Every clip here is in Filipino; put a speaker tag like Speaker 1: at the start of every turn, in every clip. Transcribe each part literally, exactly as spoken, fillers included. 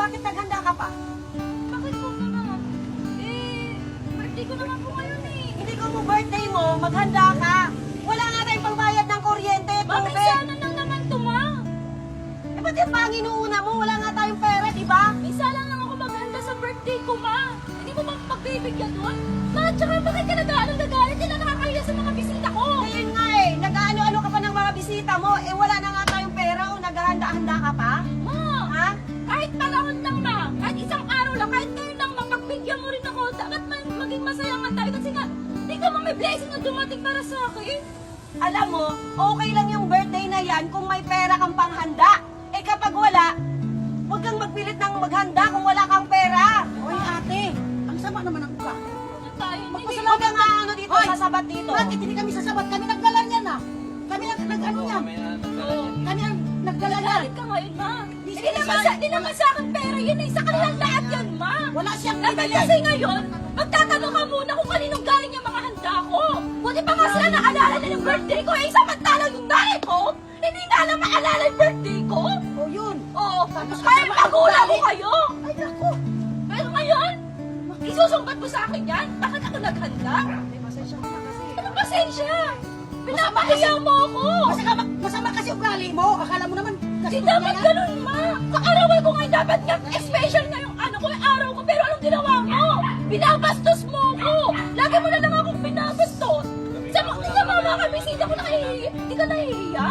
Speaker 1: bakit naghanda ka pa?
Speaker 2: Bakit po naman? Eh, birthday ko naman po ngayon eh.
Speaker 1: Hindi ko mo birthday mo, maghanda ka. Wala nga tayong pangbayad ng kuryente,
Speaker 2: Bakit
Speaker 1: tubig.
Speaker 2: sana lang naman to, ma?
Speaker 1: Eh, ba't yung panginuuna mo? Wala nga tayong pera, di ba?
Speaker 2: Isa lang lang ako maghanda sa birthday ko, ma. Hindi mo ba pagbibigyan doon? Ma, tsaka bakit ka nag-aalang nagalit? Hindi na nakakahiya sa mga bisita ko.
Speaker 1: Ngayon nga eh, nag-ano-ano ka pa ng mga bisita mo, eh wala na nga tayong pera o naghahanda-handa ka pa?
Speaker 2: Ma,
Speaker 1: Ha?
Speaker 2: kahit panahon lang, ma. Kahit isang araw lang, kahit ngayon lang, ma, pagbigyan mo rin ako. Dapat man, maging masaya nga tayo kasi nga, hindi ka may blessing na dumating para sa akin.
Speaker 1: Alam mo, okay lang yung birthday na yan kung may pera kang panghanda. Eh kapag wala, huwag kang magpilit ng maghanda kung wala kang pera.
Speaker 3: Hoy ate, ang sama naman ang uka.
Speaker 2: Ano tayo? Hindi.
Speaker 1: Huwag kang ano dito,
Speaker 3: Hoy!
Speaker 1: sasabat dito.
Speaker 3: Bakit hindi kami sasabat? Kami nagdala niyan ah. Kami nag nag-ano niyan.
Speaker 2: Oo.
Speaker 3: Kami ang nagdala niyan.
Speaker 2: Galit ka ngayon, ma.
Speaker 3: Di
Speaker 2: Hindi
Speaker 3: siya
Speaker 2: naman, sa, di naman sa akin pera yun eh. Sa kanilang lahat yan, ma.
Speaker 3: Wala siyang
Speaker 2: Dapat
Speaker 3: binili.
Speaker 2: kasi ngayon, magtatanong ka muna kung kaninong galing yung mga handa ko. Buti pa nga sila naalala na yung birthday ko. Eh, samantalang yung nanay ko, hindi na alam maalala yung birthday ko.
Speaker 3: O yun.
Speaker 2: Oo,
Speaker 3: Tapos
Speaker 2: kaya
Speaker 3: kasama
Speaker 2: magulang
Speaker 3: ang
Speaker 2: ko
Speaker 3: galit.
Speaker 2: kayo.
Speaker 3: Ay naku.
Speaker 2: Pero ngayon, isusumbat mo sa akin yan? Bakit ako naghanda?
Speaker 1: Eh, pasensya ka na kasi.
Speaker 2: Anong pasensya? Pinapahiya mo ako.
Speaker 3: Masama, masama kasi ugali mo. Akala mo naman kasi
Speaker 2: Hindi dapat ganun, ma. Kaarawan ko ngayon, dapat nga special na yung ano ko, yung araw ko. Pero anong ginawa mo? Binabastos mo ko. Lagi mo na lang akong binabastos. Sa mga nga mga mga bisita ko nahihiya. Hindi ka nahihiya?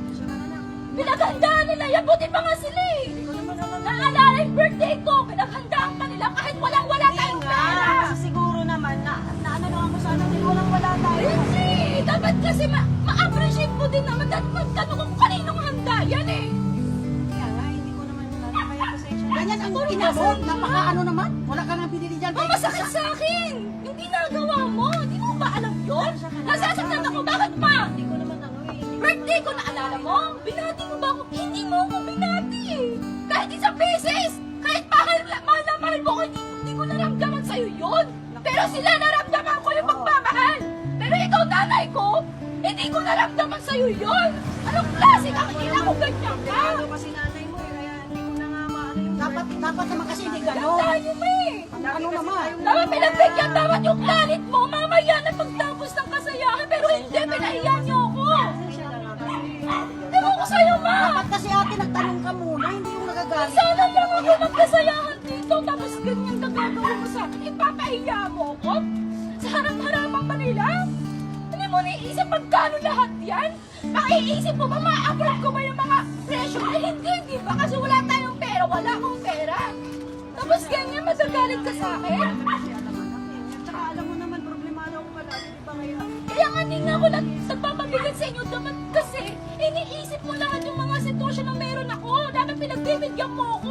Speaker 2: Pinaghandaan nila yan. Buti pa nga sila eh. Naalala yung birthday ko. Pinaghandaan pa nila kahit walang-wala tayong
Speaker 1: Nga,
Speaker 2: pera.
Speaker 1: kasi siguro naman na, na ano lang ako sana din walang wala tayo.
Speaker 2: Hindi. Dapat kasi ma- ma-appreciate mo din naman. Dapat magtanong kung kaninong handa yan eh.
Speaker 1: Kaya nga, hindi ko naman ano, kaya pasensya na.
Speaker 3: Ganyan ang
Speaker 2: Puro
Speaker 3: ina mo.
Speaker 2: masama.
Speaker 3: Napaka ano naman. Wala ka nga binili dyan.
Speaker 2: Ang masakit sa akin! Yung ginagawa mo! Di mo ba alam yun? Nasasaktan ako! Bakit pa?
Speaker 1: Hindi ko naman ano eh.
Speaker 2: Birthday ko naalala mo? Binati mo ba ako? Hindi mo ako binati eh! Kahit isang beses! Kahit mahal, mahal na mahal mo ko, hindi, hindi ko naramdaman sa'yo yun! Pero sila naramdaman ko yung pagmamahal! Pero ikaw, nanay ko, hindi ko naramdaman sa'yo yun! Anong klase kang ina kung ganyan ka?
Speaker 1: Ano kasi nanay mo eh, kaya hindi ko na nga maano yung
Speaker 3: Dapat, dapat naman kasi hindi gano'n.
Speaker 2: Tayo mo eh!
Speaker 3: Ano naman?
Speaker 2: Tama, pinagbigyan dapat yung galit mo mamaya na pagtapos ng kasayahan, pero hindi, pinahiya niyo ako. Ewan ko sa'yo, ma.
Speaker 3: Dapat kasi ate nagtanong ka muna. Hindi yung nagagalit.
Speaker 2: Sana lang ako nagkasayahan dito, tapos ganyan ka gagawin mo sa akin. Ipapahiya mo ako? Sa harap-harapan pa nila? Hindi mo naiisip pagkano lahat yan? Makiisip mo ba, ma-afford ko ba yung mga presyo? Ay, hindi, di ba? Kasi wala tayong pera, wala akong pera. Tapos ganyan, magagalit ka sa akin?
Speaker 1: Kasi alam mo naman eh. Tsaka alam mo naman, problemado ako palagi, di ba kaya?
Speaker 2: Kaya nga hindi nga ako nag nagpapabigat sa inyo dapat kasi iniisip mo lahat yung mga sitwasyon na meron ako. Dapat pinagbibigyan mo ako.